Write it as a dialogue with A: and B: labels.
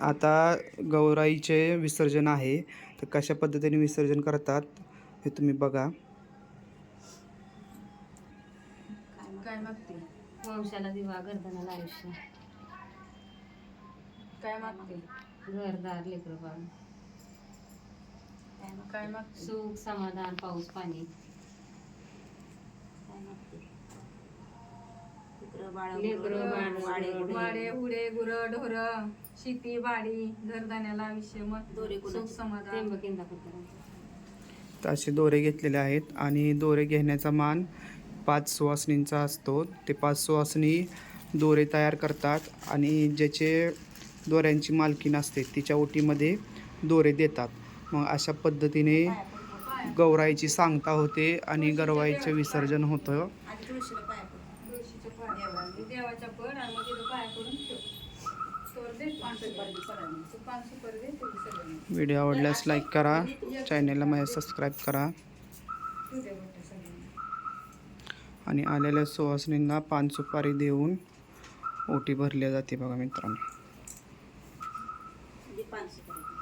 A: आता गौराईचे विसर्जन आहे, तर कशा पद्धतीने विसर्जन करतात हे तुम्ही बघा.
B: काय मागते?
C: वंशाला दिवा, गर्दनाला आयुष्य.
B: काय मागते?
C: घरदार, लेकरं बाळ,
B: काय मागते?
C: सुख समाधान, पाऊस पाणी. लेकरं बाळ,
B: वाडे हुडे गुरं ढोर, शेती बाडी, घरदाण्याला आयुष्य, मग सुख समाधान.
C: त्र्यंबक इंदापूर.
A: तर असे दोरे घेतलेले आहेत आणि दोरे घेण्याचा मान 5 सुवासिनींचा असतो. ते 5 सुवासिनी दोरे तयार करतात आणि ज्याचे दोऱ्यांची मालकीण असते तिच्या ओटीमध्ये दोरे देतात. मग अशा पद्धतीने गौराईची सांगता होते आणि गौराईचे विसर्जन होतं.
B: तुळशीच्या पाया, देवाच्या पड आणि मग तिथं पाया करून ठेव. तर दे पान सुपारी दे तुझी सगळ्यांना.
A: व्हिडिओ आवडल्यास लाईक करा, चॅनलला माझ्या सबस्क्राईब करा
B: तू दे बघ सगळ्यांना.
A: आणि आलेल्या सुवासिनींना पान सुपारी देऊन ओटी भरली जाते बघा मित्रांनो.